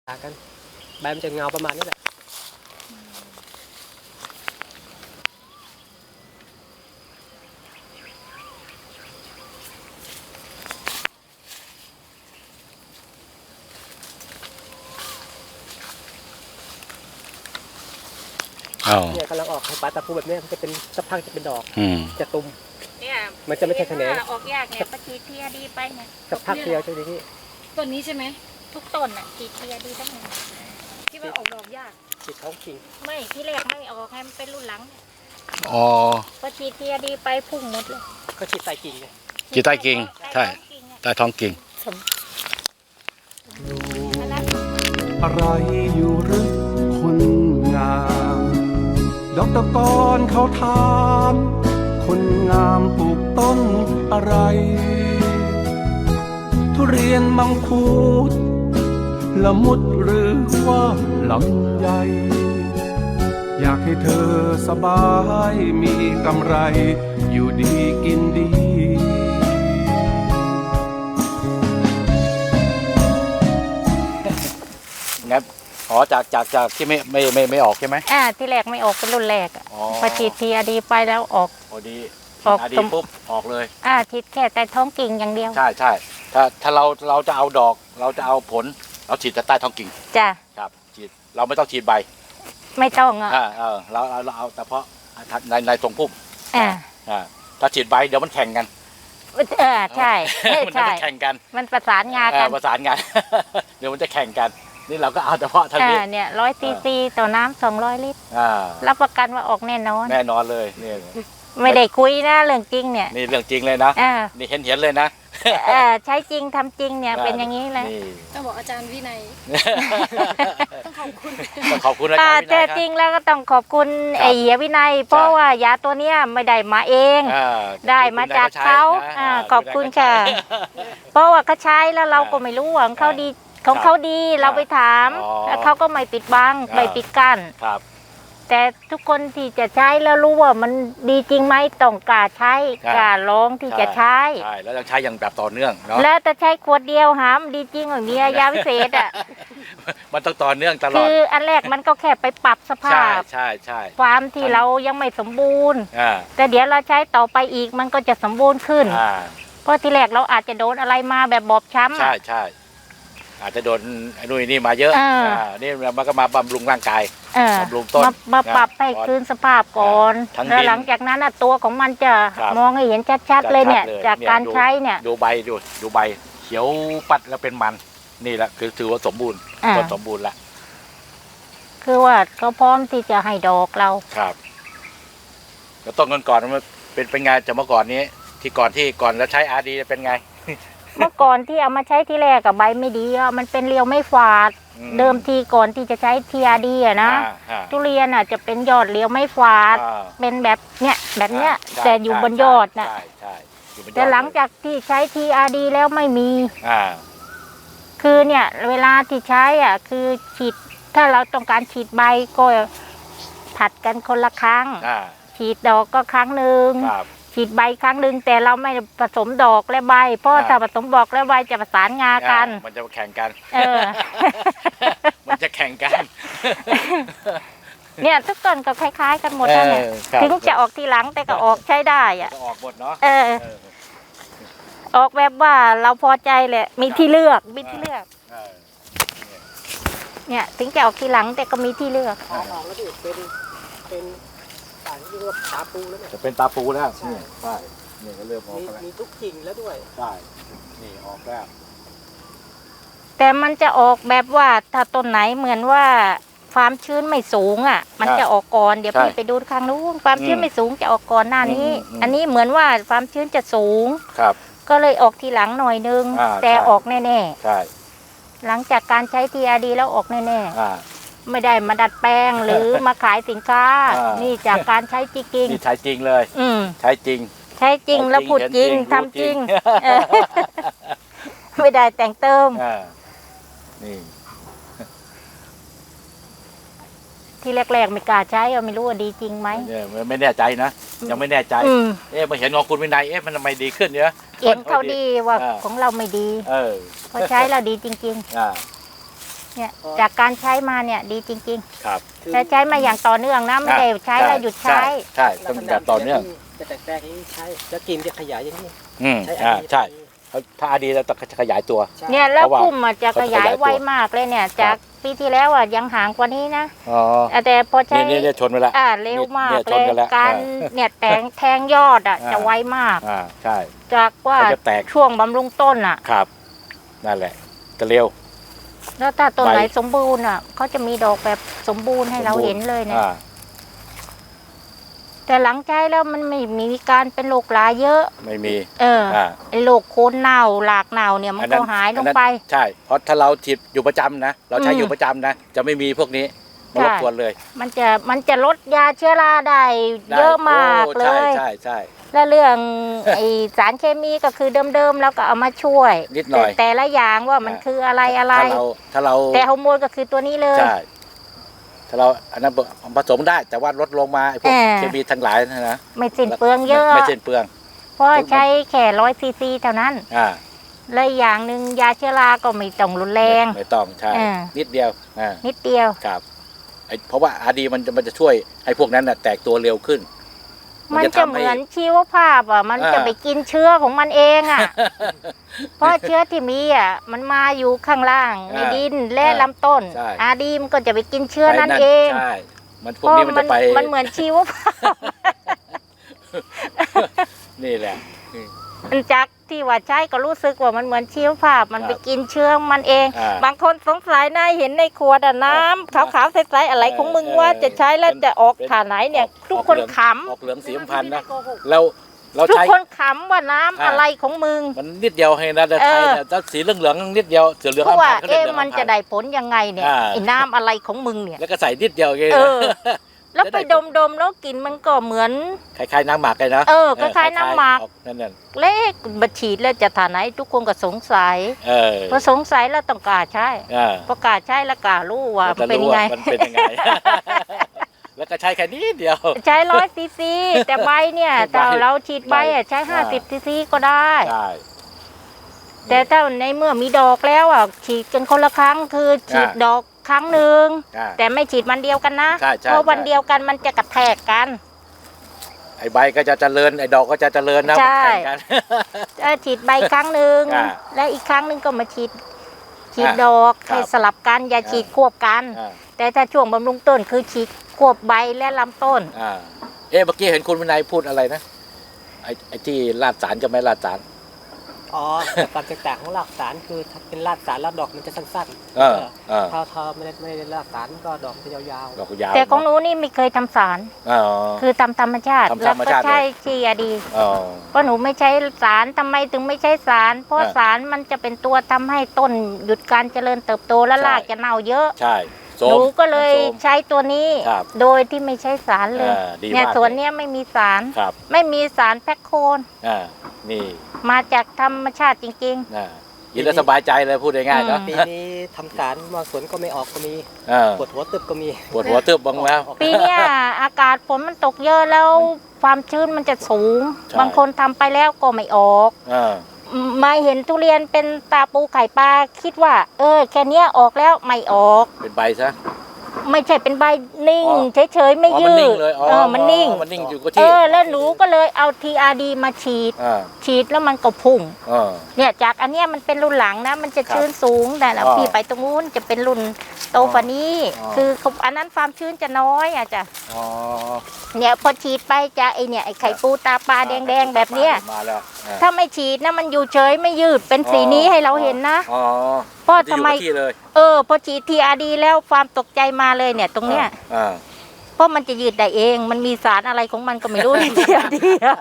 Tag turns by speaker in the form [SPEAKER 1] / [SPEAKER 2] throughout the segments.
[SPEAKER 1] กันใบมันจะเงาประมาณนี้แหละเนี่ยกำลังออกให้ปลาตะปูแบบนี้มันจะเป็นสักพักจะเป็นดอกจะตุ่ม
[SPEAKER 2] เนี่ย
[SPEAKER 1] มันจะไม่ใช่แขนง
[SPEAKER 2] ออกยากเนี่ยปฏิเทียดีไปเนี่ย
[SPEAKER 1] สักพักเดียวจะดีที่
[SPEAKER 2] ต้นนี้ใช่ไหมทุกต้นอ่ะกีเทียดีทั้งหมดที่ว่าออกดอกยาก
[SPEAKER 1] ฉีดท้องกิ่ง
[SPEAKER 2] ไม่ที่แรกไม่ออกให้มันเป็นรุ่นหลัง
[SPEAKER 3] อ๋อ
[SPEAKER 2] ปฏิเทียดีไปพุ่งหมดเลย
[SPEAKER 1] ก็ฉีดใต้กิ่งไง
[SPEAKER 3] ฉีดใต้กิ่งใช่ใต้ท้องกิ่ง
[SPEAKER 4] อะไรอยู่หรือคนงามดอกตะกอนเขาถามคนงามปลูกต้นอะไรทุเรียนมังคุดละมุดหรือว่าลำไยอยากให้เธอสบายมีกำไรอยู่ดีกินดี
[SPEAKER 3] งั้นอ๋อจากที่ไม่ออกใช่ไหม
[SPEAKER 2] ที่แรกไม่ออกเป็นรุ่นแรกพอฉีดทีอดีไปแล้วออก
[SPEAKER 3] พอดี
[SPEAKER 2] ออก
[SPEAKER 3] ปุ๊บออกเลย
[SPEAKER 2] ฉีดแค่แต่ท้องกิ่งอย่างเดียว
[SPEAKER 3] ใช่ถ้าเราจะเอาดอกเราจะเอาผลเราฉีดแต่ใต้ท้องกิ่ง
[SPEAKER 2] จ้ะ
[SPEAKER 3] ครับฉีดเราไม่ต้องฉีดใบ
[SPEAKER 2] ไม่ต้อง
[SPEAKER 3] เราเอาเฉพาะในตรงพุ่มถ้าฉีดใบเดี๋ยวมันแข่งกัน
[SPEAKER 2] ใช่
[SPEAKER 3] มันจะแข่งกัน
[SPEAKER 2] มันประสานงานกัน
[SPEAKER 3] ประสานงานเดี๋ยวมันจะแข่งกันนี่เราก็เอาเฉพาะทางนี้
[SPEAKER 2] เนี่ย100 cc ต่อน้ำ200 ลิตรรับประกันว่าออกแน่นอน
[SPEAKER 3] เลยนี่
[SPEAKER 2] ไม่ได้คุยนะเรื่องจริงเนี่ย
[SPEAKER 3] นี่เรื่องจริงเลยนะนี่เห็นเลยนะ
[SPEAKER 2] ใช้จริงทำจริงเนี่ยเป็นอย่างนี้เลย
[SPEAKER 5] ต้องบอกอาจารย์วินัยต้องขอบคุณ
[SPEAKER 3] อาจารย์วินัย
[SPEAKER 2] แต่จริงแล้วก็ต้องขอบคุณไอ้เหี้ยวินัยเพราะว่ายาตัวเนี้ยไม่ได้มาเองได้มาจากเขาขอบคุณค่ะเพราะว่าเขาใช้แล้วเราก็ไม่รู้ว่าของเขาดีเราไปถามแล้วเขาก็ไม่ปิดบังไม่ปิดกั้นแต่ทุกคนที่จะใช้แล้วรู้ว่ามันดีจริงไหมต้องกล้าใช้กล้าลองที่จะใช้
[SPEAKER 3] แล้วต้องใช้อย่างแบบต่อเนื่องเนาะ
[SPEAKER 2] แล้วจะใช้ขวดเดียวหามดีจริงอย่างนี้ยาวิเศษ
[SPEAKER 3] มันต้องต่อเนื่องตลอด
[SPEAKER 2] คืออันแรกมันก็แค่ไปปรับสภาพ
[SPEAKER 3] ใช่
[SPEAKER 2] ความที่เรายังไม่สมบูรณ์แต่เดี๋ยวเราใช้ต่อไปอีกมันก็จะสมบูรณ์ขึ้นเพราะที่แรกเราอาจจะโดนอะไรมาแบบบอบช้ำ
[SPEAKER 3] ใช่อาจจะโดนนู่นนี่มาเยอะนี่มันก็มาบำรุงร่างกายบำรุงต้น
[SPEAKER 2] มาปรับให้คืนสภาพก่อนแล้วหลังจากนั้นตัวของมันจะมองให้เห็นชัดๆเลยเนี่ยจากการใช้เนี่ย
[SPEAKER 3] ดูใบดูใบเขียวปัดแล้วเป็นมันนี่แหละคือถือว่าสมบูรณ์ต้นสมบูรณ์ละ
[SPEAKER 2] คือว่าเขาพร้อมที่จะให้ดอกเรา
[SPEAKER 3] ครับแล้วต้นก่อนมันเป็นไงจากเมื่อก่อนนี้ที่ก่อนแล้วใช้อาร์ดีเป็นไง
[SPEAKER 2] เมื่อก่อนที่เอามาใช้ที่แรกกับใบไม่ดีมันเป็นเรียวไม่ฝาดเดิมทีก่อนที่จะใช้ทีอาร์ดีนะทุเรียนจะเป็นยอดเรียวไม่ฝาดเป็นแบบเนี้ยแต่อยู่บนยอดนะแต่หลังจากที่ใช้ทีอาร์ดีแล้วไม่มีคือเนี่ยเวลาที่ใช้คือฉีดถ้าเราต้องการฉีดใบก็ผัดกันคนละครั้งฉีดดอกก็ครั้งหนึ่งฉีดใบครั้งหนึ่งแต่เราไม่ผสมดอกและใบเพราะถ้าผสมดอกและใบจะประสานงากัน
[SPEAKER 3] มันจะแข่งกันมันจะแข่งกัน
[SPEAKER 2] เนี่ยทุกต้นก็คล้ายๆกันหมดนั่นแหละถึงจะออกทีหลังแต่ก็ออกใช้ได้
[SPEAKER 3] ออกหมดเนาะ
[SPEAKER 2] ออกแบบว่าเราพอใจแหละมีที่เลือกเนี่ยถึงจะออกทีหลังแต่ก็มีที่เลือก
[SPEAKER 1] ออกแล้วเป็นเรียกว่าตาปูแล้วเนี่ย
[SPEAKER 3] จะเป็นตาปูแล้วใช่นี่ก็เริ่มออกแล้ว
[SPEAKER 1] มีทุกกิ่งแล้วด้วย
[SPEAKER 3] ใช่นี่ออกแล้ว
[SPEAKER 2] แต่มันจะออกแบบว่าถ้าต้นไหนเหมือนว่าความชื้นไม่สูงมันจะออกก่อนเดี๋ยวพี่ไปดูข้างนู้นความชื้นไม่สูงจะออกก่อนหน้านี้อันนี้เหมือนว่าความชื้นจะสูงก็เลยออกทีหลังหน่อยนึงแต่ออกแน่
[SPEAKER 3] ๆใช่
[SPEAKER 2] หลังจากการใช้ทีอาร์ดีแล้วออกแน่ๆไม่ได้มาดัดแปลงหรือมาขายสินค้านี่จากการใช้จริง
[SPEAKER 3] นี่ใช้จริงเลยใช้จริง
[SPEAKER 2] แล้วพูดจริงทำจริงไม่ได้แต่งเติม
[SPEAKER 3] นี่
[SPEAKER 2] ที่แรกๆไม่กล้าใช้ไม่รู้ว่าดีจริงไหม
[SPEAKER 3] ไม่แน่ใจนะยังไม่แน่ใจมาเห็นของคุณวินัยมันทำไมดีขึ้นเนี่ย
[SPEAKER 2] เห็นเขาดีว่าของเราไม่ดีพอใช้แล้วดีจริงๆเนี่ยจากการใช้มาเนี่ยดีจริง
[SPEAKER 3] ครับ
[SPEAKER 2] ๆแต่ใช้มาอย่างต่อเนื่องนะไม่ได้ใช้แล้วหยุดใช้
[SPEAKER 3] ใช่ต้องแบบต่อเนื่อง
[SPEAKER 1] จะแตกๆอย่างนี้ใช้แล้วกินจะขยายอย่างนี้ ใช้
[SPEAKER 3] ใช่ถ้าอาดีเราต้องขยายตัว
[SPEAKER 1] ใช่
[SPEAKER 2] เนี่ยแล้ว
[SPEAKER 3] เพราะว่า
[SPEAKER 2] พุ่มอะจะขยายไวมากเลยเนี่ย จากปีที่แล้วอ่ะยังห่างกว่านี้นะ
[SPEAKER 3] อ๋อ
[SPEAKER 2] แต่พอใช้
[SPEAKER 3] นี่ชนไปแล้ว
[SPEAKER 2] เร็วมาก
[SPEAKER 3] เนี่ยช
[SPEAKER 2] เล
[SPEAKER 3] น
[SPEAKER 2] ย
[SPEAKER 3] กันแล้ว
[SPEAKER 2] การเนี่ยแทงยอดอ่ะจะไวมาก
[SPEAKER 3] ใช่
[SPEAKER 2] จากว่า
[SPEAKER 3] มันจะแตก
[SPEAKER 2] ช่วงบำรุงต้นอ่ะ
[SPEAKER 3] ครับนั่นแหละจะเร็ว
[SPEAKER 2] แล้วถ้าต้นไหน
[SPEAKER 3] ใบ
[SPEAKER 2] สมบูรณ์อ่ะเขาจะมีดอกแบบสมบูรณ์ให้เราเห็นเลยเนี่ย แต่หลังใช้แล้วมันไม่มีการเป็นโรคราเยอะ
[SPEAKER 3] ไม่มี
[SPEAKER 2] ไอ้โรคโคนเน่าหลากเน่าเนี่ยมันก็หายลงไป
[SPEAKER 3] ใช่เพราะถ้าเราฉีดอยู่ประจำนะเราใช้อยู่ประจำนะจะไม่มีพวกนี้มารบกวนเลย
[SPEAKER 2] มันจะลดยาเชื้อราได้เยอะมากเลย
[SPEAKER 3] ใช่
[SPEAKER 2] และเรื่อง ไอสารเคมีก็คือเดิมๆแล้วก็เอามาช่วย
[SPEAKER 3] นิดหน่อย
[SPEAKER 2] แต่ละอย่างว่ามันคืออะไร
[SPEAKER 3] ถ้าเรา
[SPEAKER 2] แต่ฮอร์โมนก็คือตัวนี้เลย
[SPEAKER 3] ใช่ถ้าเราอันนั้นผสมได้แต่ว่าลดลงมาไอ้พวกเคมีทั้งหลายนะ
[SPEAKER 2] ไม่สิ้นเปลืองเยอะ
[SPEAKER 3] ไม่สิ้นเปลือง
[SPEAKER 2] เพราะใช้แค่100 ซีซีเท่านั้น และอย่างหนึ่งยาเชื้อราก็ไม่ต้องรุนแรง
[SPEAKER 3] ไม่ต้องใช่นิดเดียว
[SPEAKER 2] นิดเดียว
[SPEAKER 3] ครับเพราะว่าอาดีมันจะช่วยให้พวกนั้นน่ะแตกตัวเร็วขึ้น
[SPEAKER 2] มันจะเหมือนชีวภาพอ่ะมันจะไปกินเชื้อของมันเองอ่ะ เพราะเชื้อที่มีอ่ะมันมาอยู่ข้างล่างในดินและลำต้นอาดีมันก็จะไปกินเชื้อนั้นเอง
[SPEAKER 3] ใช่มันพวกนี้มันจะไป
[SPEAKER 2] มันเหมือนชีวภาพ
[SPEAKER 3] นี่แหละ
[SPEAKER 2] มันจากที่ว่าใช้ก็รู้สึกว่ามันเหมือนชีวภาพมันไปกินเชื้อมันเอง บางคนสงสัยนะเห็นในขวดน้ำขาวๆใสๆอะไรของมึงว่าจะใช้แล้วจะออกฐานไหนเนี่ยทุกคนขำ
[SPEAKER 3] ออกเหลืองสีพันนะแล้วเรา
[SPEAKER 2] ทุก
[SPEAKER 3] ใช้
[SPEAKER 2] คนขำว่าน้ำอะไรของมึง
[SPEAKER 3] มันนิดเดียวให้นะแต่ไทยเนี่ยถ้าสีเหลืองๆนิดเดียวสีเหลือง
[SPEAKER 2] เพราะว่า
[SPEAKER 3] เขาเรียกเหลือง
[SPEAKER 2] มันจะได้ผลยังไงเนี่ยไอ้น้ำอะไรของมึงเนี่ย
[SPEAKER 3] แล้วก็ใส่นิดเดียวเอง
[SPEAKER 2] แล้วไปดมๆแล้วกลิ่นมันก็เหมือน
[SPEAKER 3] คล้ายๆน้ำหมักเลยนะ
[SPEAKER 2] คล้ายๆน้ำหมัก
[SPEAKER 3] นั่น
[SPEAKER 2] เล็กบัดฉีดแล้วจะฐานไหนทุกคนก็สงสัยพอสงสัยแล้วต้องกล้าใช้พอกล้าใช้แล้วกล้ารู้ว่ามันเป็นยังไง
[SPEAKER 3] มันเป็นยังไง แล้วก็ใช้แค่นี้เดียว
[SPEAKER 2] ใช้100 ซีซีแต่ใบเนี่ยถ้าเราฉีดใบใช้50 ซีซีก็ได้แต่ถ้าในเมื่อมีดอกแล้วฉีดกันคนละครั้งคือฉีดดอกครั้งหนึ่งแต่ไม่ฉีดวันเดียวกันนะเพราะวันเดียวกันมันจะกระแทกกัน
[SPEAKER 3] ไอ้ใบก็จะเจริญไอ้ดอกก็จะเจริญนะมันแข่งกัน
[SPEAKER 2] ฉีดใบครั้งหนึ่งและอีกครั้งหนึ่งก็มาฉีดดอกให้สลับกันอย่าฉีดควบกันแต่ถ้าช่วงบำรุงต้นคือฉีดควบใบและลำต้น
[SPEAKER 3] เมื่อกี้เห็นคุณวินัยพูดอะไรนะไอ้ที่ลาดสารจะไม่ลาดสาร
[SPEAKER 1] ความแตกต่างของรากสารคือถ้าเป็นรากสารแล้วดอกมันจะสั้นๆถ้าไม่ได้รากสารก็ดอกจะยาว
[SPEAKER 2] ๆแต่ของหนูนี่ไม่เคยทำสารคือทำธรรมชาติแล้วก็ใช้ชีอาดีเพราะหนูไม่ใช้สารทำไมถึงไม่ใช้สารเพราะสารมันจะเป็นตัวทำให้ต้นหยุดการเจริญเติบโตและรากจะเน่าเยอะหนูก็เลยใช้ตัวนี้โดยที่ไม่ใช้สารเลยเนี่ยสวนเนี้ยไม่มีสารไม่มีสารแพคโคน
[SPEAKER 3] นี่
[SPEAKER 2] มาจากธรรมชาติจริง
[SPEAKER 3] ๆยินแล้วสบายใจเลยพูดง่ายๆเนาะ
[SPEAKER 1] ปีนี้ทำสารบางสวนก็ไม่ออกก็มีปวดหัวตึบก็มี
[SPEAKER 3] ปวดหัวตึบบ้างแล้ว
[SPEAKER 2] ปีเนี้ยอากาศฝนมันตกเยอะแล้วความชื้นมันจะสูงบางคนทำไปแล้วก็ไม่ออกมาเห็นทุเรียนเป็นตาปูไข่ปลาคิดว่าแค่นี้ออกแล้วไม่ออก
[SPEAKER 3] เป็นใบซะ
[SPEAKER 2] ไม่ใช่เป็นใบนิ่งเฉยๆไม่ยืดมันนิ่ง
[SPEAKER 3] อยู่ก็ที่
[SPEAKER 2] แล้วหนูก็เลยเอา TRD มาฉีดแล้วมันก็พุ่งเนี่ยจากอันเนี้ยมันเป็นรุ่นหลังนะมันจะชื้นสูงแต่พี่ไปตรงนู้นจะเป็นรุ่นโตกว่านี้คืออันนั้นความชื้นจะน้อยจ้ะเนี่ยพอฉีดไปจะไอ้ไข่ปูตาปลาแดงๆแบบเนี้ยถ้าไม่ฉีดนะมันอยู่เฉยไม่ยืดเป็นสีนี้ให้เราเห็นนะเพราะทำไมพอฉีด TRD แล้วความตกใจมาเลยเนี่ยตรงเนี้ยเพราะมันจะยืดได้เองมันมีสารอะไรของมันก็ไม่รู้ใน TRD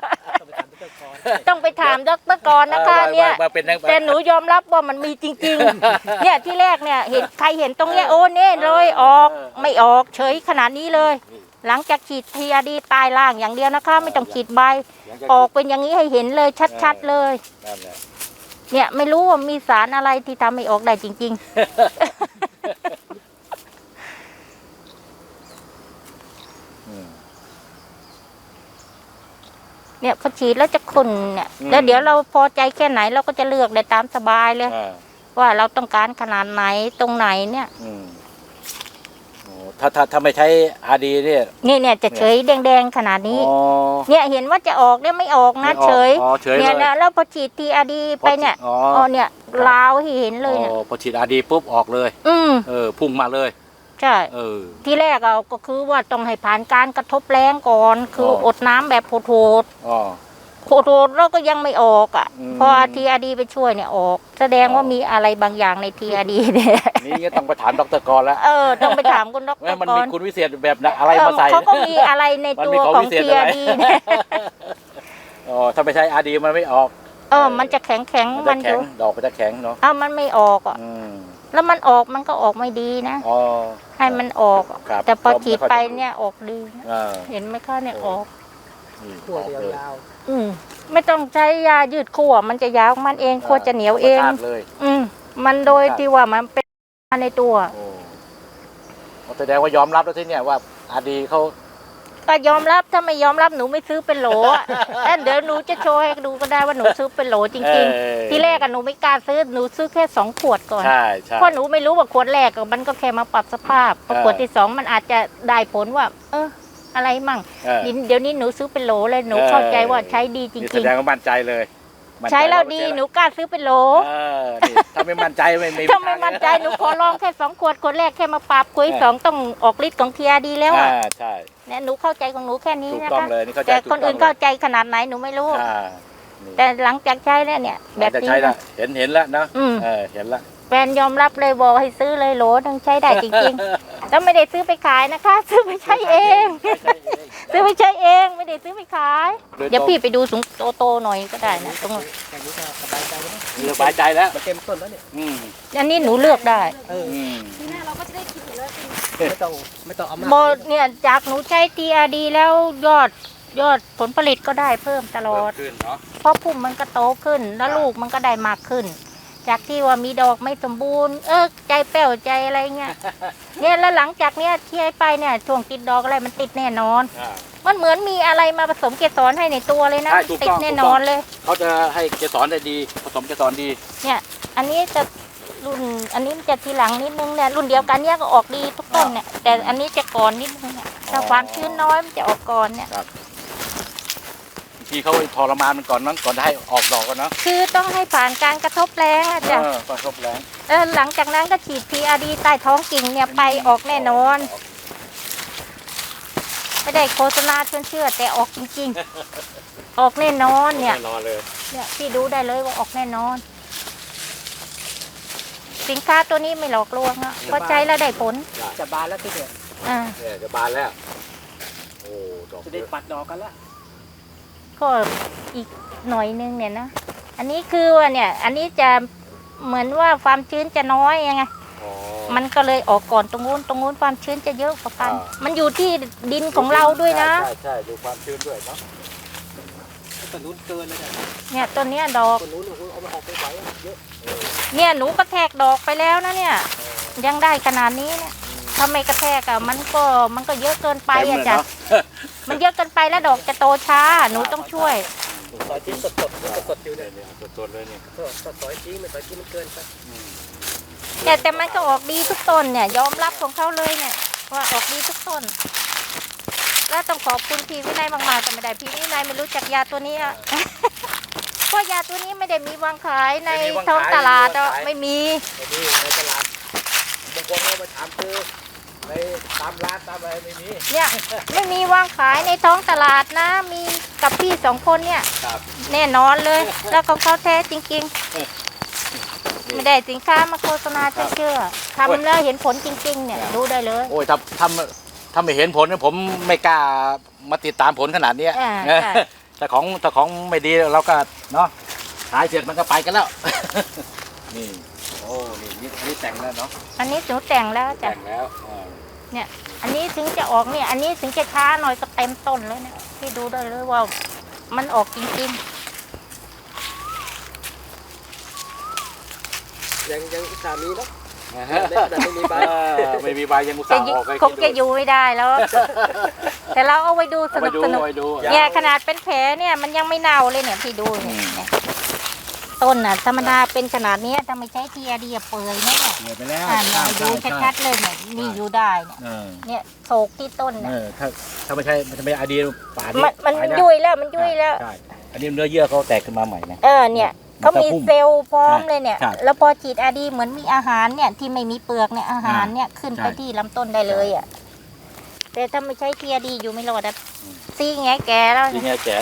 [SPEAKER 2] ต้องไปถามดร.กรนะคะเนี่ยแต่หนูยอมรับว่ามันมีจริงๆเนี่ยที่แรกเนี่ยเห็นใครเห็นตรงเนี้ยโอ้เน่เลยออกไม่ออกเฉยขนาดนี้เลยหลังจากฉีด TRD ตายล่างอย่างเดียวนะคะไม่ต้องฉีดใบออกเป็นอย่างนี้ให้เห็นเลยชัดๆเลยเนี่ยไม่รู้ว่ามีสารอะไรที่ทำให้ออกได้จริงๆเนี่ยพอฉีดแล้วจะขุ่นเนี่ยแล้วเดี๋ยวเราพอใจแค่ไหนเราก็จะเลือกได้ตามสบายเลยพว่าเราต้องการขนาดไหนตรงไหนเนี่ย
[SPEAKER 3] โอ้ถ้าไม่ใช้อาดีเนี่ย
[SPEAKER 2] เนี่ยจะเฉยแดงๆขนาดนี้
[SPEAKER 3] อ๋อ
[SPEAKER 2] เนี่ยเห็นว่าจะออกเนี่ยไม่ออกนะ
[SPEAKER 3] ไม่ออก
[SPEAKER 2] เฉย
[SPEAKER 3] อ๋อเฉย
[SPEAKER 2] เนี่ย
[SPEAKER 3] เลย
[SPEAKER 2] นะแล้วพอฉีดทีอาดีไปเนี่ย
[SPEAKER 3] อ๋อ
[SPEAKER 2] อ๋อเนี่ยลาวให้เห็นเลยเนี่ย
[SPEAKER 3] พอฉีดอาดีปุ๊บออกเลย พุ่งมาเลย
[SPEAKER 2] ใช่ ที่แรกก็คือว่าต้องให้ผ่านการกระทบแรงก่อนคืออดน้ำแบบโหด
[SPEAKER 3] อ๋อ
[SPEAKER 2] ๆแล้วก็ยังไม่ออกอ่ะ
[SPEAKER 3] อืม
[SPEAKER 2] พอทีอาดีไปช่วยเนี่ยออก แสดงว่ามีอะไรบางอย่างในทีอาดีเนี่ย
[SPEAKER 3] นี่ก็ต้องไปถามดรกรแล้ว
[SPEAKER 2] ต้องไปถามคุณดร
[SPEAKER 3] ว่ามัน
[SPEAKER 2] ก่
[SPEAKER 3] มี
[SPEAKER 2] อน
[SPEAKER 3] คุณวิเศษแบบไหนอะไรมาใส่
[SPEAKER 2] เขาก็มีอะไรใน
[SPEAKER 3] มัน
[SPEAKER 2] ตั
[SPEAKER 3] มี
[SPEAKER 2] ว
[SPEAKER 3] ของ
[SPEAKER 2] ของ
[SPEAKER 3] วิเศษ
[SPEAKER 2] ที
[SPEAKER 3] อะไร
[SPEAKER 2] อาดีเนี่ย
[SPEAKER 3] อ๋อถ้าไม่ใช้อาดีมันไม่ออก
[SPEAKER 2] มันจะแข็ง
[SPEAKER 3] มัน
[SPEAKER 2] ๆ
[SPEAKER 3] จะ
[SPEAKER 2] มันอ
[SPEAKER 3] แข็ง
[SPEAKER 2] ยู่
[SPEAKER 3] ดอกมันจะแข็งเนาะ
[SPEAKER 2] มันไม่ออกอ่ะ
[SPEAKER 3] อืม
[SPEAKER 2] แล้วมันออกมันก็ออกไม่ดีนะ
[SPEAKER 3] อ๋อ
[SPEAKER 2] ให้มันออก
[SPEAKER 3] ครับ
[SPEAKER 2] แต่พอ
[SPEAKER 3] ก็ไม่
[SPEAKER 2] ฉีด
[SPEAKER 3] ค่อย
[SPEAKER 2] ไป
[SPEAKER 3] จะ
[SPEAKER 2] เนี่ยออกดี เห็นไหมคะเนี่ยออก
[SPEAKER 3] นี่
[SPEAKER 1] ขั้ว
[SPEAKER 3] ออก
[SPEAKER 1] เดียว
[SPEAKER 3] เลย
[SPEAKER 1] ยาว
[SPEAKER 2] ไม่ต้องใช้ยายืดขั้วมันจะยาวของมันเองขั้วจะเหนียวเอง
[SPEAKER 3] ธรรมชาติเลย
[SPEAKER 2] มันโดยที่ว่ามันเป็นในตัว
[SPEAKER 3] โอ้แสดงว่ายอมรับแล้วที่เนี่ยว่าอาดีเขา
[SPEAKER 2] ก็ยอมรับถ้าไม่ยอมรับหนูไม่ซื้อเป็นโหลอะเดี๋ยวหนูจะโชว์ให้ดูก็ได้ว่าหนูซื้อเป็นโหลจริงๆ ที่แรกหนูไม่กล้าซื้อหนูซื้อแค่2 ขวดก่อน
[SPEAKER 3] ใช่
[SPEAKER 2] เพราะหนูไม่รู้ว่าขวดแรกมันก็แค่มาปรับสภาพพอขวดที่ 2มันอาจจะได้ผลว่า อะไรมั่งเดี๋ยวนี้หนูซื้อเป็นโหลเลยหนูเข้าใจว่าใช้ดีจ
[SPEAKER 3] นี่
[SPEAKER 2] ริ
[SPEAKER 3] แส
[SPEAKER 2] ง
[SPEAKER 3] ดงว่ามั่นใจเลย
[SPEAKER 2] ๆ ใช้แล้วดีหนูกล้าซื้อเป็นโหล
[SPEAKER 3] นี่ถ้าไม่มั่นใจไม่มี
[SPEAKER 2] ถ้าไม่มั่นใจหนูขอลองแค่2 ขวดขวดแรกแค่มาปรับขวดที่ 2ต้องออกฤทธิ์ของเทียดีแล้วอ่ะ
[SPEAKER 3] ใช่
[SPEAKER 2] เนี่ยหนูเข้าใจของหนูแค่นี้
[SPEAKER 3] ถูก
[SPEAKER 2] นะ
[SPEAKER 3] ต้อง
[SPEAKER 2] คะ
[SPEAKER 3] เลยนี่เข้าใจ
[SPEAKER 2] แต่
[SPEAKER 3] ถูก
[SPEAKER 2] คนอื่น
[SPEAKER 3] ต้
[SPEAKER 2] เข้าง
[SPEAKER 3] ลย
[SPEAKER 2] ใจขนาดไหนหนูไม่รู้
[SPEAKER 3] นี่
[SPEAKER 2] แต่หลังจากใช้แล้วเนี่ย แบบ
[SPEAKER 3] จะ
[SPEAKER 2] นี้
[SPEAKER 3] ใช้ละ
[SPEAKER 2] นะ
[SPEAKER 3] เห็นแล้วเนาะ เห็นละ
[SPEAKER 2] แฟนยอมรับเลยบอกให้ซื้อเลยโหลนึงใช้ได้จริงๆ แล้วไม่ได้ซื้อไปขายนะคะ ซื้อไปใช้เอง ซื้อไปใช้เองไม่ได้ซื้อไปขาย เดี๋ยวพี่ไปดูสูงโตๆหน่อยก็ได้นะตรงนั้น
[SPEAKER 1] แค่นี้ก็สบายใจแล้วนะ
[SPEAKER 3] สบายใจแล้ว
[SPEAKER 1] มันเต็มต้นแล้วเนี่ย
[SPEAKER 2] อันนี้หนูเลือกได้
[SPEAKER 5] ทีหน้าเราก็จะได้คิดอยู่แล้ว
[SPEAKER 1] ไม่ต้องเอามาก
[SPEAKER 2] โมเนี่ยจากหนูใช้ TRD แล้วยอดผลผลิตก็ได้เพิ่มตลอด
[SPEAKER 3] ขึ้นเนาะ
[SPEAKER 2] เพราะพุ่มมันก็โตขึ้นแล้วลูกมันก็ได้มากขึ้น จากที่ว่ามีดอกไม่สมบูรณ์ใจแป้วใจอะไรเงี้ย เนี่ยแล้วหลังจากเนี้ยที่ให้ไปเนี่ยช่วงติดดอกอะไรมันติดแน่นอน มันเหมือนมีอะไรมาผสมเกสรให้ในตัวเลยนะ
[SPEAKER 3] ใช่ถูก
[SPEAKER 2] ติ
[SPEAKER 3] ต้
[SPEAKER 2] ด
[SPEAKER 3] อง
[SPEAKER 2] แน่นอนเลย
[SPEAKER 3] เขาจะให้เกสรได้ดีผสมเกสรดี
[SPEAKER 2] เนี่ย อันนี้จะรุ่นอันนี้มันจะทีหลังนิดนึงเนี่ยรุ่นเดียวกันเนี่ยก็ออกดีทุกต้นเนี่ยแต่อันนี้จะก่อนนิดนึงเนี่ยถ้าความชื้นน้อยมันจะออกก่อนเนี่ย
[SPEAKER 3] ทีเขาทรมานมันก่อนนั้นก่อนจะให้ออกดอกกันเนาะ
[SPEAKER 2] คือต้องให้ผ่านการกระทบแรงอะจ้ะ
[SPEAKER 3] ก่อนครบแรง
[SPEAKER 2] หลังจากนั้นก็ฉีด PRD ใต้ท้องกิ่งเนี่ยไปออกแน่นอน ไม่ได้โฆษณาชวนเชื่อแต่ออกจริงๆ ออกแน่นอนเนี่ย
[SPEAKER 3] แน่นอนเลย
[SPEAKER 2] เนี่ยพี่ดูได้เลยว่าออกแน่นอน สินค้าตัวนี้ไม่หลอกลวงอ่ะเพราะใช้แล้วได้ผล
[SPEAKER 1] จะบานแล้วที่เนี่ย
[SPEAKER 3] เนี่ยจะบานแล้วโอ้ดอก
[SPEAKER 1] จะได้ปัดดอกกันละ
[SPEAKER 2] ก็อีกหน่อยนึงเนี่ยนะ อันนี้คือว่าเนี่ย อันนี้จะเหมือนว่าความชื้นจะน้อยยังไง มันก็เลยออกก่อนตรงนู้นความชื้นจะเยอะกว่ากัน มันอยู่ที่ดินของเราด้วยนะ
[SPEAKER 3] ใช่ดูความชื้นด้วยเนาะ
[SPEAKER 1] ต้นนู้นเกินเลยเนี่ย
[SPEAKER 2] เนี่ยต้นเนี้ยดอก
[SPEAKER 1] ต้นนู้นเอามาออกไปไหวเยอะ
[SPEAKER 2] เนี่ยหนูกระแทกดอกไปแล้วนะเนี่ย ยังได้ขนาดนี้เนี่ยถ้าไม่กระแทกอะมันก็เยอะเกินไปอะจ้ะมันเยอะเกินไปแล้วดอกจะโตช้าหนูต้องช่วย
[SPEAKER 1] ซอยทิ้งสดอยู่เนี่ย
[SPEAKER 3] สดๆเลยเนี่ย
[SPEAKER 1] ซอยทิ้งมันซอยทิ้งมันเกินไป
[SPEAKER 2] แต่มันก็ออกดีทุกต้นเนี่ยยอมรับของเขาเลยเนี่ยว่าออกดีทุกต้น แล้วต้องขอบคุณพี่วินัยมากๆแต่ไม่ได้พี่วินัยไม่รู้จักยาตัวนี้อะ เพราะยาตัวนี้ไม่ได้มีวางขายในท้องตลาดอะไม่มี
[SPEAKER 3] นี่ในตลาดบางคนเขาไปถามซื้อในตามร้านตามอะไรไม่มี
[SPEAKER 2] เนี่ยไม่มีวางขายในท้องตลาดนะ มีกับพี่2 คนเนี่ย
[SPEAKER 3] ครับ
[SPEAKER 2] แน่นอนเลย แล้วของเขาแท้จริงๆ ไม่ได้สินค้ามาโฆษณาเชื่อทำแล้วเห็นผลจริงๆเนี่ยดูได้เลย
[SPEAKER 3] โอ้ยถ้าไม่เห็นผลเนี่ยผมไม่กล้ามาติดตามผลขนาดเนี้ย
[SPEAKER 2] ใช่
[SPEAKER 3] แต่ของไม่ดีเราก็เนาะขายเสร็จมันก็ไปกันแล้ว นี่โอ้นี่แต่งแล้วเนาะ
[SPEAKER 2] อันนี้หนูแต่งแล้วจ้ะ
[SPEAKER 3] แต่งแล้ว
[SPEAKER 2] เนี่ย อันนี้ถึงจะออกเนี่ย อันนี้ถึงจะช้าหน่อยก็เต็มต้นแล้วเนี่ยพี่ดูได้เลยว่ามันออกจริง
[SPEAKER 1] ยังสามีเนาะ
[SPEAKER 3] แต่ไม่มีใบไม่มีใบยังอุต
[SPEAKER 2] ๆ
[SPEAKER 3] ส่า
[SPEAKER 2] จะ
[SPEAKER 3] ห์ออก
[SPEAKER 2] คงจะอยู่ไม่ได้แล้ว แต่เราเอาไว้ดูส
[SPEAKER 3] ไป
[SPEAKER 2] นุก
[SPEAKER 3] ดู
[SPEAKER 2] สนุก
[SPEAKER 3] ไปดู
[SPEAKER 2] เนี่ยขนาดเป็นแผลเนี่ยมันยังไม่เน่าเลยเนี่ยพี่ดูเนี่ยต้นน่ะธรรมดาเป็นขนาดเนี้ยถ้าไม่ใช้ทีอาดีเปื่อยเนี่ย
[SPEAKER 3] เหนื่อยไปแล้ว
[SPEAKER 2] เนี่ยดูชัดๆเลยเนี่ยนี่อยู่ได้เนี่ย
[SPEAKER 3] เออ
[SPEAKER 2] เนี่ยโศกที่ต้น
[SPEAKER 3] เอ
[SPEAKER 2] น่ะ
[SPEAKER 3] อถ้าไม่ใช่มันจะไม่อดีตป่านี้
[SPEAKER 2] มัน
[SPEAKER 3] ตาแล้ว
[SPEAKER 2] ยุ่ยแล้วมันยุ่ยแล้ว
[SPEAKER 3] ใช่อันนี้เนื้อเยื่อเขาแตกขึ้นมาใหม่นะ
[SPEAKER 2] เนี่ย
[SPEAKER 3] มัน
[SPEAKER 2] เขา
[SPEAKER 3] จะ
[SPEAKER 2] มี
[SPEAKER 3] พุ่ง
[SPEAKER 2] เซลล์พร้อมเลยเนี่ย
[SPEAKER 3] ใช่
[SPEAKER 2] แล้วพอฉีดอาดีเหมือนมีอาหารเนี่ยที่ไม่มีเปลือกเนี่ยอาหารเนี่ยขึ้นไป
[SPEAKER 3] ใช่
[SPEAKER 2] ที่ลำต้นได้เลยอ่ะแต่ถ้าไม่ใช้ทีอาดีอยู่ไม่รอดอ่ะซีแงแกแล้ว
[SPEAKER 3] จริงไงแจ๋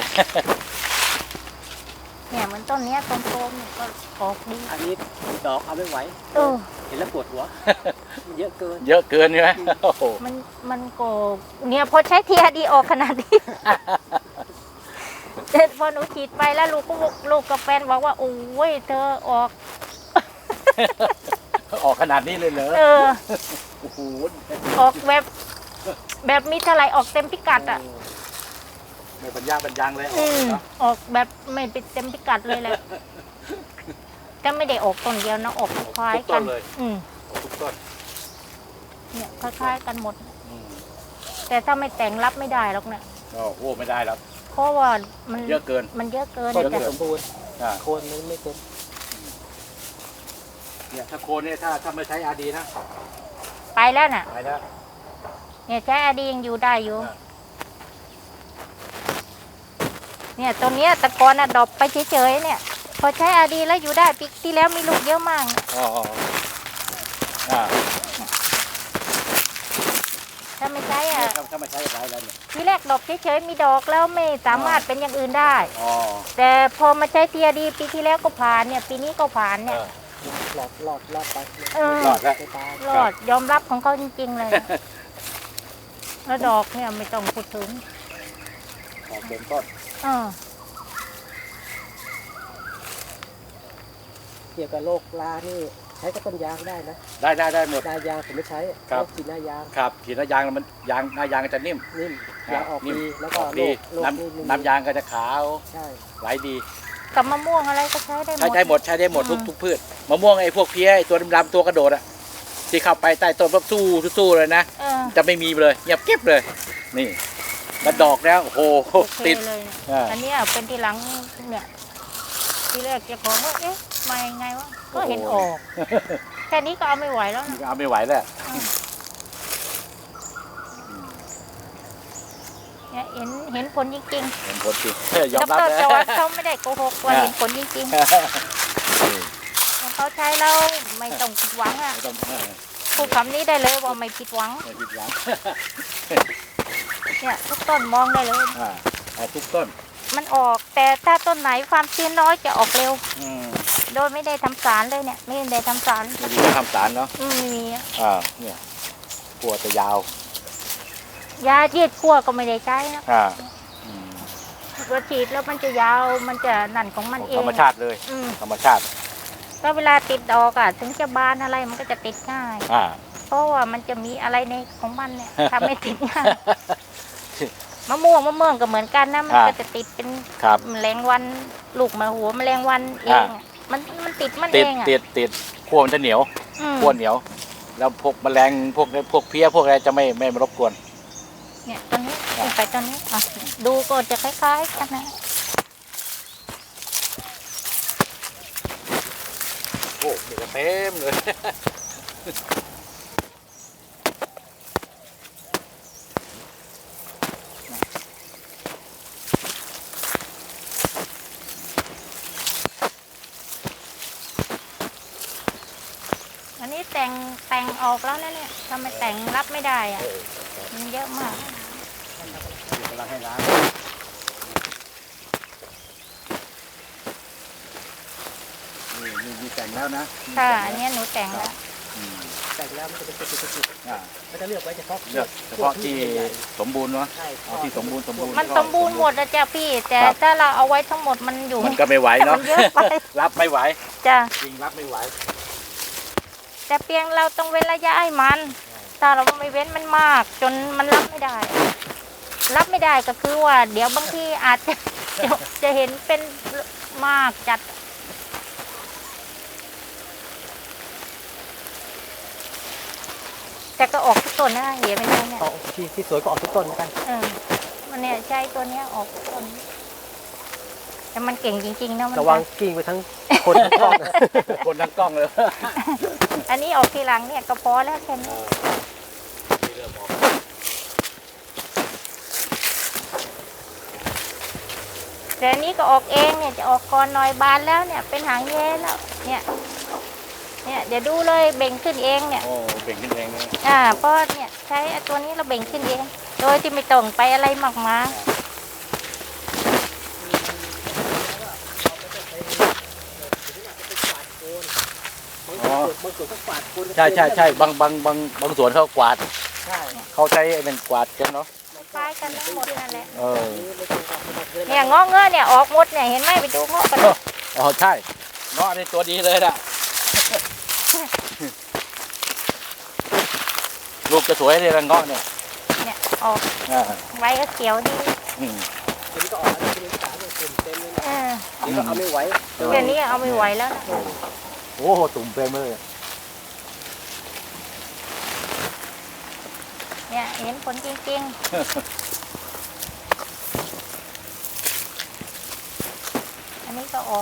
[SPEAKER 2] เนี่ยเหมือนต้นเนี้ยต้นโตมเนี่ยก็ออกดี
[SPEAKER 1] อันนี้ดอกเอาไม่ไหว
[SPEAKER 2] เออ
[SPEAKER 1] เห็นแล้วปวดหัว มันเยอะเกิน
[SPEAKER 3] เยอะเกินใช่ไหมโอ้โห
[SPEAKER 2] มันก็เนี่ยพอใช้ทีอาดีออกขนาดนี้ แต่พอหนูฉีดไปแล้วลูกกับแฟนบอกว่าโอ้ยเธอออก
[SPEAKER 3] ออกขนาดนี้เลยเหรอ
[SPEAKER 2] เออ
[SPEAKER 3] โอ้โห
[SPEAKER 2] ออกแบบมีเท่าไหร่ออกเต็มพิกัดอ่ะ
[SPEAKER 3] ไม่บรรยาบรรยังเลย
[SPEAKER 2] ออกแบบไม่เป็นเต็มพิกัดเลยแหละแต่ไม่ได้ออกต้นเดียวนะออกคล้ายๆกัน
[SPEAKER 3] ทุกต้น
[SPEAKER 2] เนี่ยคล้ายๆกันหมด
[SPEAKER 3] อืม
[SPEAKER 2] แต่ถ้าไม่แต่งรับไม่ได้หรอกเนี่ย
[SPEAKER 3] โอ้โหไม่ได้แล้ว
[SPEAKER 2] เพราะว่ามัน
[SPEAKER 3] เยอะเกิน
[SPEAKER 2] มันเยอะเกิน
[SPEAKER 1] ต้น
[SPEAKER 2] แต่
[SPEAKER 1] ไม่สมบูรณ์
[SPEAKER 3] อ่า
[SPEAKER 1] โคนมันไม่เต็ม
[SPEAKER 3] เนี่ยถ้าโคนเนี่ยถ้าไม่ใช้อาดีนะ
[SPEAKER 2] ไปแล้วน่ะ
[SPEAKER 3] ไปแล้ว
[SPEAKER 2] เนี่ยใช้อาดียังอยู่ได้อยู่
[SPEAKER 3] อ่า
[SPEAKER 2] เนี่ยตัวเนี้ยตะกอนอะดรอปไปเฉยๆเนี่ย พอใช้อาดีแล้วอยู่ได้ปีที่แล้วมีลูกเยอะมาก
[SPEAKER 3] อ๋ออ่า
[SPEAKER 2] ถ้าไม่ใช้อ่ะ
[SPEAKER 3] ถ้าไม่ใช้อะไรแล้วเนี่ย
[SPEAKER 2] ทีแรกดอกเฉยๆมีดอกแล้วไม่สามารถเป็นอย่างอื่นได้
[SPEAKER 3] อ๋อ
[SPEAKER 2] แต่พอมาใช้ทีอาดีปีที่แล้วก็ผ่านเนี่ยปีนี้ก็ผ่านเนี่ย
[SPEAKER 1] หลอดไป
[SPEAKER 2] เออ
[SPEAKER 3] รอดแล้ว
[SPEAKER 1] ไม่ตาย
[SPEAKER 2] รอดยอมรับของเขาจริงๆเลย แล้วดอกเนี่ยไม่ต้องพูดถึง
[SPEAKER 3] ออกเต็มต้น
[SPEAKER 1] เกี่ยวกับโรครานี่ใช้กับต้นยางได้นะ
[SPEAKER 3] ได้หมด
[SPEAKER 1] หน้ายางผมไม่ใช้
[SPEAKER 3] ครับ
[SPEAKER 1] โรคฉีดหน้ายาง
[SPEAKER 3] ครับขีดหน้ายางมันหน้ายางจะนิ่ม
[SPEAKER 1] นิ่มยางออก
[SPEAKER 3] นิ่ม
[SPEAKER 1] ดีแล้วก็
[SPEAKER 3] ออก
[SPEAKER 1] โร
[SPEAKER 3] ดี
[SPEAKER 1] คโรคนี่ไม่มี
[SPEAKER 3] น้ำยางก็จะขาว
[SPEAKER 1] ใช่
[SPEAKER 3] ไหลดี
[SPEAKER 2] กับมะม่วงอะไรก็ใช้ได้หมด
[SPEAKER 3] ใช้ได้หมดทุกพืชมะม่วงไอ้พวกเพี้ยไอ้ตัวดำๆตัวกระโดดอะที่เข้าไปใต้ต้นปุ๊บสู้เลยนะ
[SPEAKER 2] เออ
[SPEAKER 3] จะไม่มีเลยเงียบเก็บเลย นี่มันดอกแล้วโอ้โห
[SPEAKER 2] โอเค
[SPEAKER 3] ติด
[SPEAKER 2] เลย
[SPEAKER 3] อ่า
[SPEAKER 2] อันเนี้ยเป็นที่หลังเนี่ยทีแรกเจ้าของว่าเอ๊ะมายังไงวะก็เห็นออกแค่นี้ก็เอาไม่ไหวแล้วนะ
[SPEAKER 3] เอาไม่ไหวแล้ว
[SPEAKER 2] เนี่ยเห็นผลจริง
[SPEAKER 3] เห็นผลจริง
[SPEAKER 2] ๆ
[SPEAKER 3] ยอมรับ
[SPEAKER 2] ด
[SPEAKER 3] นะ
[SPEAKER 2] จอร์จเขาไม่ได้โกหกว่าเห็นผลจริงๆเขาใช้แล้วไม่ต้องผิดหวังอ่ะ
[SPEAKER 3] ไม่ต้อง
[SPEAKER 2] พูดคำนี้ได้เลยว่าไม่ผิดหวัง
[SPEAKER 3] ไม่ผิดหวัง
[SPEAKER 2] เนี่ยทุกต้นมองได้เลย
[SPEAKER 3] ทุกต้น
[SPEAKER 2] มันออกแต่ถ้าต้นไหนความชื้นน้อยจะออกเร็ว
[SPEAKER 3] อืม
[SPEAKER 2] โดยไม่ได้ทำสารเลยเนี่ยไม่ได้ทำสาร
[SPEAKER 3] ไม่มีทำสารเนาะ
[SPEAKER 2] ไม่มีอะ
[SPEAKER 3] เนี่ยขัวจะยาว
[SPEAKER 2] ยาฉีดขั้วก็ไม่ได้ใช้นะ
[SPEAKER 3] อืม
[SPEAKER 2] ก็ฉีดแล้วมันจะยาวมันจะนั่นของมันเอง
[SPEAKER 3] ธรรมชาติเลย
[SPEAKER 2] อืม
[SPEAKER 3] ธรรมชาติ
[SPEAKER 2] ก็เวลาติดดอกอะถึงจะบานอะไรมันก็จะติดง่าย
[SPEAKER 3] อ่า
[SPEAKER 2] เพราะว่ามันจะมีอะไรในของมันเนี่ยทำให้ติดง่ายมะม่วงก็เหมือนกันนะมันก็จะติดเป็น
[SPEAKER 3] ครับ
[SPEAKER 2] แมลงวันลูกมาหัวแมลงวันเองอะมันติดมัน
[SPEAKER 3] ติ
[SPEAKER 2] เอ
[SPEAKER 3] ด
[SPEAKER 2] งอะ
[SPEAKER 3] ติดขั้วมันจะเหนียว
[SPEAKER 2] อืม
[SPEAKER 3] ขั้วเหนียว แล้วพวกแมลงพวกเพี้ยพวกอะไรจะไม่มารบกวน
[SPEAKER 2] เนี่ยตอนนี้ขึ้นไปตอนนี้อ่ะดูก็จะคล้ายๆกันนะ
[SPEAKER 3] โอ้เดี๋ยวเต็มเลย
[SPEAKER 2] อันนี้แต่งออกแล้วนะเนี่ยทำไมแต่งรับไม่ได้อ่ะมันเยอะมาก
[SPEAKER 3] กำลังให้ล้างมีแต่งแล้วนะ
[SPEAKER 2] ค่ะอันเนี้ยหนูแต่งแล้ว
[SPEAKER 3] อืม
[SPEAKER 1] แต่งแล้วมันจะเป็นจุด
[SPEAKER 3] อ่า
[SPEAKER 1] ๆมันจะเลือกไว้เฉพาะ
[SPEAKER 3] เลือกเฉพาะที่สมบูรณ์เนาะ
[SPEAKER 1] ใช่
[SPEAKER 3] เอาที่สมบูรณ์
[SPEAKER 2] มันสมบูรณ์หมดนะจ๊ะพี่ แต่
[SPEAKER 3] ครับ
[SPEAKER 2] ถ้าเราเอาไว้ทั้งหมดมันอยู่
[SPEAKER 3] มันก็ไม่ไหวเนาะ
[SPEAKER 2] มันเยอะไป
[SPEAKER 3] รับไม่ไหว
[SPEAKER 2] จ้ะ
[SPEAKER 3] จริงรับไม่ไหว
[SPEAKER 2] แต่เพียงเราต้องเว้นระยะให้มันถ้าเราไม่เว้นมันมาก จนมันรับไม่ได้ รับไม่ได้ก็คือว่า เดี๋ยวบางทีอาจจะเห็นเป็นมากจัด แต่ก็ออกทุกต้นนะเห็นไหมเนี่ย
[SPEAKER 1] เอาที่สวยก็ออกทุกต้นเหมือนกัน
[SPEAKER 2] มันเนี่ยใช้ตัวเนี้ยออกทุกต้นแต่แต่มันเก่งจริงๆนะมัน
[SPEAKER 1] ระวังกิ้งไปทั้งคนทั้งกล้อง
[SPEAKER 3] คนทั้งกล้องเลย
[SPEAKER 2] อันนี้ออกทีหลังเนี่ยก็พอแล้วแค่นี้แต่อันนี้ก็ออกเองเนี่ยจะออกก่อนหน่อยบานแล้วเนี่ยเป็นหางแย้แล้วเนี่ยเดี๋ยวดูเลยเบ่งขึ้นเองเนี่ย
[SPEAKER 3] โอ้เบ่งขึ้นเองเลย
[SPEAKER 2] เพราะเนี่ยใช้ตัวนี้เราเบ่งขึ้นเองโดยที่ไม่ต้องไปอะไรมากมาย
[SPEAKER 1] บางส่วนก็กวาดโคน
[SPEAKER 3] ใช่บางสวนเขากวาด
[SPEAKER 1] ใช่
[SPEAKER 3] เขาใช้ไอ้เป็นกวาดกันเนาะ
[SPEAKER 2] คล้ายกันทั้งหมดนั่นแหละ
[SPEAKER 1] ไม่ต้องกวาดไม่ต้องเกิน
[SPEAKER 2] เนี่ยงอกเงยเนี่ยออกหมดเนี่ยเห็นไหมไปดูงอกกัน
[SPEAKER 3] อ๋อใช่เงาะนี่ตัวดีเลยน่ะ ลูกจะสวยเลยละเงาะเนี่ย
[SPEAKER 2] เนี่ยออก
[SPEAKER 3] อ่า
[SPEAKER 2] ไว้ก็เขียวดี
[SPEAKER 3] อืม
[SPEAKER 1] ทีนี้ก็ออกแล้วทีนี้ขาเนี่ยเต็มเลยนะ
[SPEAKER 2] เออ
[SPEAKER 1] นี่ก็เอาไม่ไหว
[SPEAKER 2] เดี๋ยวนี้เอาไม่ไหวแล้วนะ
[SPEAKER 3] โอ้โหตุ่มเต็มเลย
[SPEAKER 2] เนี่ยเห็นผลจริงๆ อันนี้ก็ออก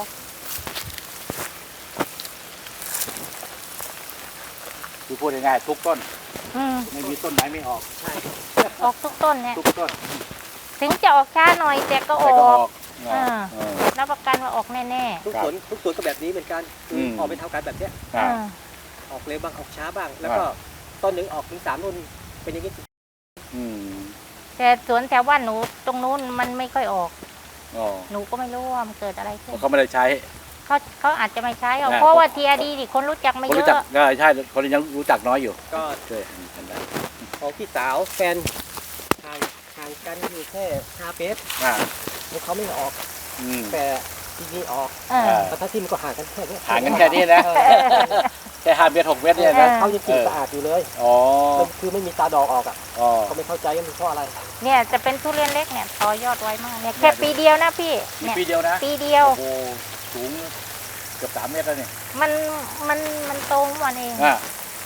[SPEAKER 3] คือพูดง่ายๆทุกต้น
[SPEAKER 2] ม
[SPEAKER 3] ไม่มีต้นไหนไม่ออก
[SPEAKER 1] ใช่
[SPEAKER 2] ออกทุกต้นเนี่ย
[SPEAKER 3] ทุกต้น
[SPEAKER 2] ถึงจะออกช้าหน่อยแต่ก็อ
[SPEAKER 3] แต่ก็
[SPEAKER 2] อ
[SPEAKER 3] อก อก
[SPEAKER 2] อ่า
[SPEAKER 3] เออ
[SPEAKER 2] รับประกันว่าออกแน่
[SPEAKER 1] ทุกสวนก็แบบนี้เหมือนกันคืออ
[SPEAKER 3] ม
[SPEAKER 1] ออกเป็นเท่ากันแบบเนี้ย
[SPEAKER 2] ๆ
[SPEAKER 3] อ่า
[SPEAKER 1] ออกเร็วบ้างออกช้าบ้าง แล้วก็ต้นหนึ่งออกถึง3 รุ่นเป็นอย่างนี้
[SPEAKER 3] อืม
[SPEAKER 2] แต่สวนแถวบ้านหนูตรงนู้นมันไม่ค่อยออก
[SPEAKER 3] อ๋อ
[SPEAKER 2] หนูก็ไม่รู้ว่ามันเกิดอะไรขึ้น
[SPEAKER 3] เขาไม่ได้ใช้
[SPEAKER 2] เขาอาจจะไม่ใช้หรอก
[SPEAKER 3] อ่า
[SPEAKER 2] เพราะว่าทีอาดีนี่คนรู้จักไม่
[SPEAKER 3] คน
[SPEAKER 2] เย
[SPEAKER 3] รู้จัก
[SPEAKER 2] อะ
[SPEAKER 3] ก็ใช่คนยังรู้จักน้อยอยู่
[SPEAKER 1] ก็
[SPEAKER 3] ช่วยกันได้
[SPEAKER 1] ของพี่สาวแฟนห่างกันอยู่แค่5 เมตร
[SPEAKER 3] อ่า
[SPEAKER 1] แล้วเขาไม่ออก
[SPEAKER 3] อืม
[SPEAKER 1] แต่ที่นี่ออก
[SPEAKER 2] เออ
[SPEAKER 1] แต่ถ้าที่มันก็ห่างกันแค่นี้
[SPEAKER 3] ห่างกันแค่นี้นะ แค่5 เมตร 6 เมตรเนี่ยนะ
[SPEAKER 1] เขายังกินสะอาดอยู่เลย
[SPEAKER 3] อ๋อ
[SPEAKER 1] มันคือไม่มีตาดอกออกอ่ะ
[SPEAKER 3] อ๋อ
[SPEAKER 1] เขาไม่เข้าใจว่ามันเพราะอะไร
[SPEAKER 2] เนี่ยจะเป็นทุเรียนเล็กเนี่ยต่อยอดไวมากเนี่ยแค่ปีเดียวนะพี่
[SPEAKER 3] มี
[SPEAKER 2] เนี่ย
[SPEAKER 3] ปีเดียวนะ
[SPEAKER 2] ปีเดียว
[SPEAKER 3] โอ้โหสูงเกือบ3 เมตรแล้วเนี่ย
[SPEAKER 2] มันโตของมันเอง
[SPEAKER 3] อ่า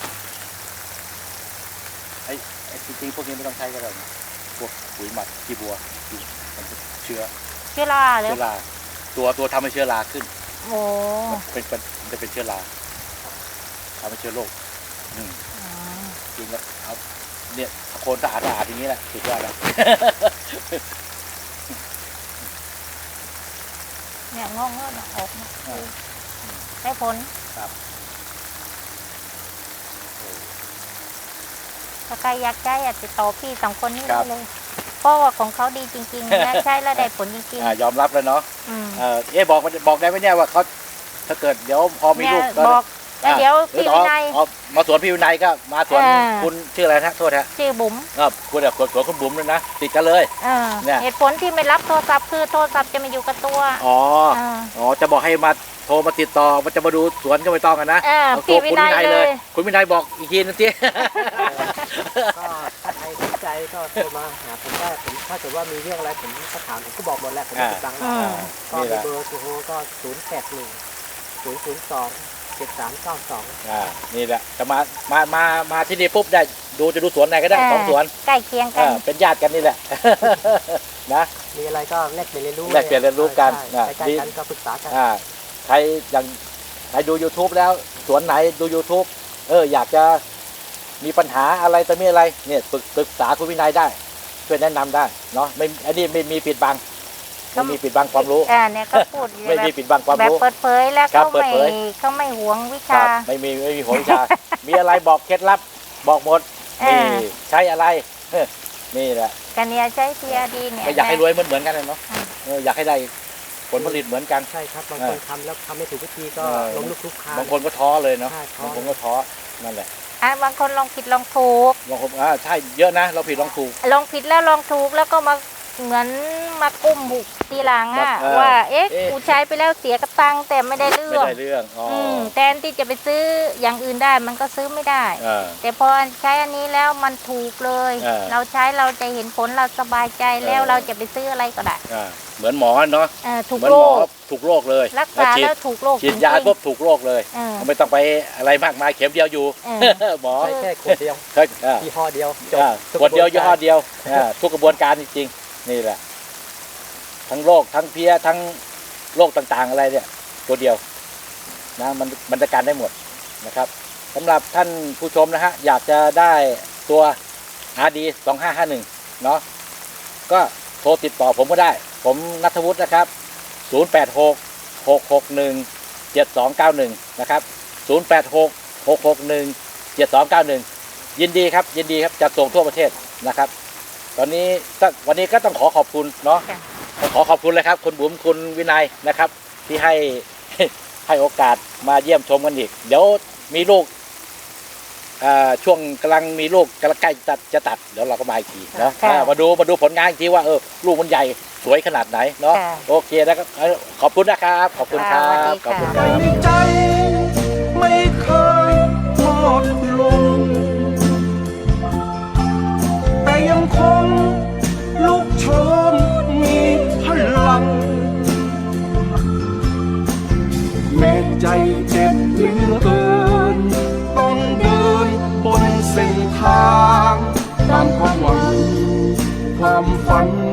[SPEAKER 3] ไอ้จริงๆพวกนี้ไม่ต้องใช้ก็ได้นะพวกปุ๋ยหมักขี้บัวมันจะเชื้อ
[SPEAKER 2] เชื้อราเลย
[SPEAKER 3] เชื้อราตัวทำให้เชื้อราขึ้น
[SPEAKER 2] โอ้
[SPEAKER 3] มันจะเป็นเชื้อราทำให้เชื้อโรคอืม
[SPEAKER 2] อืม
[SPEAKER 3] จริงแล้วเอาเนี่ยโคนสะอาดอย่างนี้แหละสุดยอดแล้ว
[SPEAKER 2] เนี่ยงอกเงยออกมา
[SPEAKER 3] อ่า
[SPEAKER 2] ได้ผล
[SPEAKER 3] ครับ
[SPEAKER 2] ถ้าใครอยากใช้อยากติดต่อพี่2 คนนี้ได้เลย เพราะว่าของเขาดีจริงๆและใช้แล้วได้ผลจริง
[SPEAKER 3] ยอมรับแล้วเนาะ
[SPEAKER 2] ๆอืม
[SPEAKER 3] บอกได้ไหมเนี่ยว่าเขาถ้าเกิดเดี๋ยวพอมี
[SPEAKER 2] เนี่ย
[SPEAKER 3] ลูกก็
[SPEAKER 2] บอกแล้วเดี๋ยวพี่วินัย
[SPEAKER 3] เอามาสวนพี่วินัยก็มาสวน
[SPEAKER 2] อ่า
[SPEAKER 3] คุณชื่ออะไรนะโทษฮะ
[SPEAKER 2] ชื่อบุ๋ม
[SPEAKER 3] คุณแบบสวนคุณบุ๋มเลยนะติดกันเลย เนี่ย
[SPEAKER 2] เหตุผลที่ไม่รับโทรศัพท์คือโทรศัพท์จะมาอยู่กับตัว
[SPEAKER 3] อ๋อ
[SPEAKER 2] อ่า
[SPEAKER 3] อ๋อจะบอกให้มาโทรมาติดต่อมันจะมาดูสวนก็ไม่ต้องกันนะ เอา
[SPEAKER 2] พี่
[SPEAKER 3] ตัว
[SPEAKER 2] วิ
[SPEAKER 3] คุณ
[SPEAKER 2] นั
[SPEAKER 3] วิ
[SPEAKER 2] ย
[SPEAKER 3] นัย
[SPEAKER 2] เล
[SPEAKER 3] เลย
[SPEAKER 2] ย
[SPEAKER 3] คุณวินัยบอกอีกทีนึงสิ
[SPEAKER 1] ก็ถ้าใครสนใจก็โทรมาหาผมได้ผมถ้าเกิดว่ามีเรื่องอะไรผมก็ถามผมก็บอกหมดแหละผมไม่ติดบังหรอก
[SPEAKER 2] อืม
[SPEAKER 1] ก็
[SPEAKER 3] นี่แห
[SPEAKER 1] มี
[SPEAKER 3] ละ
[SPEAKER 1] เบอร์โทรก็081 002 7392
[SPEAKER 3] นี่แหละจะมาที่นี่ปุ๊บได้จะดูสวนไหนก็ได้สองสวน
[SPEAKER 2] ใกล้เคียงกัน
[SPEAKER 3] เป็นญาติกันนี่แหละ นะ
[SPEAKER 1] มีอะไรก็แลกเปลี่ยนเรียนรู้
[SPEAKER 3] แลกเปลี่ยนเรียนรู้กัน
[SPEAKER 1] ใช่ใกล้ๆกันก็ปรึกษากัน
[SPEAKER 3] ใครอย่างใครดู YouTube แล้วสวนไหนดู YouTube อยากจะมีปัญหาอะไรแต่มีอะไรเนี่ยปรึกษาคุณวินัยได้ช่วยแนะนำได้เนาะไม่อันนี้ไม่มีปิดบังไม่มีปิดบังความรู้
[SPEAKER 2] เนี่ยก็พูด
[SPEAKER 3] ไม่มีปิดบังความ
[SPEAKER 2] แบบ
[SPEAKER 3] รู้
[SPEAKER 2] เปิดเผยแล้ว
[SPEAKER 3] ครับ
[SPEAKER 2] เขา
[SPEAKER 3] เปิด
[SPEAKER 2] ไม่
[SPEAKER 3] เผย
[SPEAKER 2] เขาไม่หวงวิ
[SPEAKER 3] ครั
[SPEAKER 2] ชา
[SPEAKER 3] บไม่มีหัววิชา มีอะไรบอกเคล็ดลับบอกหมด
[SPEAKER 2] เออ
[SPEAKER 3] นี่ใช้อะไรนี่แหละ
[SPEAKER 2] กันเนี่ยใช้ทีอาดีเนี่ย
[SPEAKER 3] ก็อยากให้รวยเหมือนกันเลยเนาะอยากให้ได้ผลผลิตเหมือนกัน
[SPEAKER 1] ใช่ครับบางคนทำแล้วทำไม่ถูกวิธีก็
[SPEAKER 3] เออ
[SPEAKER 1] ล้มลุกคลุกคลาน
[SPEAKER 3] บางคนก็ท้อเลยเนาะ
[SPEAKER 1] ใช่ท้อ
[SPEAKER 3] บางคนก็ท้อนั่นแหละ
[SPEAKER 2] บางคนลองผิดลองถูก
[SPEAKER 3] บางคนใช่เยอะนะเราผิดลองถูก
[SPEAKER 2] ลองผิดแล้วลองถูกแล้วก็มาเหมือนมากุ้มบุกทีหลังอ่ะ
[SPEAKER 3] แบบ
[SPEAKER 2] ว่า
[SPEAKER 3] เอ๊ะ
[SPEAKER 2] กูใช้ไปแล้วเสียกระตังค์แต่ไม่ได้เรื่
[SPEAKER 3] ไม่
[SPEAKER 2] อง
[SPEAKER 3] ได้เรื่องอ๋อ
[SPEAKER 2] แทนที่จะไปซื้ออย่างอื่นได้มันก็ซื้อไม่ได้
[SPEAKER 3] เออ
[SPEAKER 2] แต่พอใช้อันนี้แล้วมันถูกเลย
[SPEAKER 3] เออ
[SPEAKER 2] เราใช้เราจะเห็นผลเราสบายใจแล้ว
[SPEAKER 3] เออ
[SPEAKER 2] เราจะไปซื้ออะไรก็ได้
[SPEAKER 3] เหมือนหมอเนาะ
[SPEAKER 2] ถูก
[SPEAKER 3] เหมือน
[SPEAKER 2] โร
[SPEAKER 3] หมอ
[SPEAKER 2] ค
[SPEAKER 3] ถูกโรคเลย
[SPEAKER 2] รักษา
[SPEAKER 3] ฉีด
[SPEAKER 2] แล้วถูกโรค
[SPEAKER 3] ฉีดยา
[SPEAKER 2] จริงๆ
[SPEAKER 3] ปุ๊บถูกโรคเลย
[SPEAKER 2] เออ
[SPEAKER 3] ไม่ต้องไปอะไรมากมายเข็มเดียวอยู่ หมอ
[SPEAKER 1] ใช้แค่ขวดเดียว
[SPEAKER 3] เคย
[SPEAKER 1] ยี่ห้อเดียวจบ
[SPEAKER 3] ขวดเดียวยี่ห้อเดียวทุกกระบวนการจริงๆนี่แหละทั้งโรคทั้งเพี้ยทั้งโรคต่างๆอะไรเนี่ยตัวเดียวนะมันจัดการได้หมดนะครับสำหรับท่านผู้ชมนะฮะอยากจะได้ตัว RD 2551เนาะก็โทรติดต่อผมก็ได้ ผมณัฐวุฒินะครับ086 661 7291นะครับ086 661 7291ยินดีครับจะส่งทั่วประเทศนะครับ ตอนนี้วันนี้ก็ต้องขอขอบคุณเนาะขอขอบคุณเลยครับคุณบุ๋มคุณวินัยนะครับ ที่ให้โอกาสมาเยี่ยมชมกันอีกเดี๋ยวมีลูกช่วงกำลังมีลูกกำลังใกล้จะตัดเดี๋ยวเราก็มาอีกทีเนาะมาดูผลงานอีกทีว่าลูกมันใหญ่สวยขนาดไหนเนาะโอเคนะครับขอบคุณนะครับขอบคุณครับขอบคุณครับ
[SPEAKER 4] ใจไม่เคยทอดลงแต่ยังคงลุกโชนมีพลังแม้ใจเจ็บเหลือเกินต้องเดินบนเส้นทางตามความหวังความฝัน